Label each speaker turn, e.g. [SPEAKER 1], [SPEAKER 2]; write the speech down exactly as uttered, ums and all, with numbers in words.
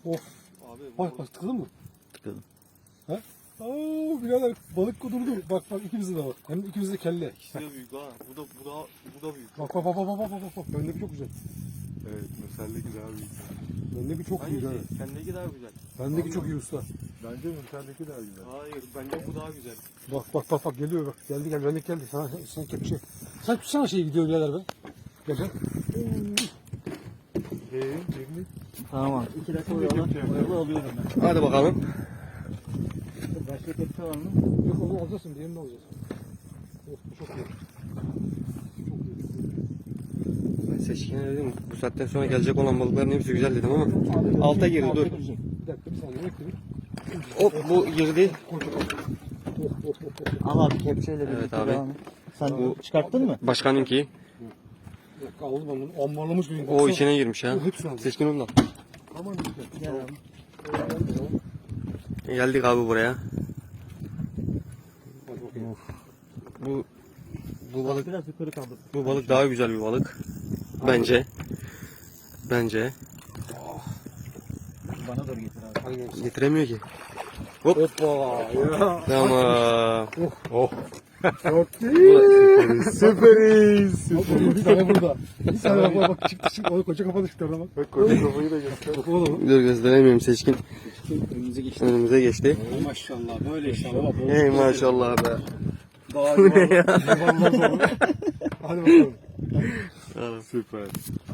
[SPEAKER 1] Of.
[SPEAKER 2] Abi
[SPEAKER 1] Bak bak tıkladın mı?
[SPEAKER 3] Tıkladım.
[SPEAKER 1] Ha? Aa birader balık kudurdu. Bak bak ikimizde de var. Hem de ikimizde kelle.
[SPEAKER 2] ikisi de büyük ha. Bu da bu da bu da büyük.
[SPEAKER 1] Bak bak bak bak bak bak bak. Bendeki çok güzel.
[SPEAKER 4] Evet, Mürsel'deki daha büyük.
[SPEAKER 1] Bendeki çok iyi.
[SPEAKER 2] Hangisi?
[SPEAKER 1] Ha.
[SPEAKER 2] Sendeki daha güzel.
[SPEAKER 1] Bendeki çok iyi usta.
[SPEAKER 4] Bence Mürsel'deki daha güzel.
[SPEAKER 2] Hayır, bence bu daha güzel.
[SPEAKER 1] Bak bak bak bak geliyor bak. Geldi geldi bendeki geldi. Sana sen kepçe. Sen tutsana şeyi gidiyor birader be. Gel gel.
[SPEAKER 4] Ee, Cemil.
[SPEAKER 3] Tamam abi. İki dakika oyalı. Oyalı alıyorum ben.
[SPEAKER 2] Hadi bakalım.
[SPEAKER 3] Başka tepsi var mı?
[SPEAKER 1] Yok onu alacaksın. Diğerini de alacağız. Of bu çok iyi. Çok iyi.
[SPEAKER 2] Ben Seçkin'e dedim bu saatten sonra gelecek olan balıkların hepsi güzel dedim ama alta girdi dur.
[SPEAKER 1] Bir dakika bir saniye bekle bir.
[SPEAKER 2] Hop bu girdi.
[SPEAKER 1] Of of of of.
[SPEAKER 3] Al abi kepçeyle
[SPEAKER 2] Evet
[SPEAKER 3] birlikte
[SPEAKER 2] abi.
[SPEAKER 3] devam et. Sen bu çıkarttın mı?
[SPEAKER 2] Başkanınki.
[SPEAKER 1] Bir dakika aldım ben bunu. Ambarlamış benim.
[SPEAKER 2] O içine girmiş ha.
[SPEAKER 1] Hepsini aldım.
[SPEAKER 2] Seçkin onu da.
[SPEAKER 1] Aman işte.
[SPEAKER 3] Gel abi.
[SPEAKER 2] Geldik abi buraya.
[SPEAKER 1] Hadi bakayım.
[SPEAKER 2] Bu bu balık
[SPEAKER 3] Biraz yukarı kaldır.
[SPEAKER 2] bu balık daha güzel bir balık. Bence. Bence.
[SPEAKER 3] Bana doğru getir abi.
[SPEAKER 1] Aynen.
[SPEAKER 2] Getiremiyor ki. Hop.
[SPEAKER 1] Hoppa. Ya.
[SPEAKER 2] Tamam.
[SPEAKER 4] Oh.
[SPEAKER 1] Çok iyi.
[SPEAKER 4] Süperiz.
[SPEAKER 1] Bir tane burada. Bir tane bak bak bak çıktı çıktı. O koca kapadı çıktı oradan bak.
[SPEAKER 4] Bak koca kafayı da göster.
[SPEAKER 1] Bak oğlum.
[SPEAKER 2] Dur gösteremiyorum Seçkin.
[SPEAKER 3] Önümüze geçti.
[SPEAKER 2] Önümüze geçti.
[SPEAKER 1] Maşallah böyle inşallah.
[SPEAKER 2] Ey maşallah be.
[SPEAKER 1] Daha iyi. Hadi bakalım.
[SPEAKER 4] Süper.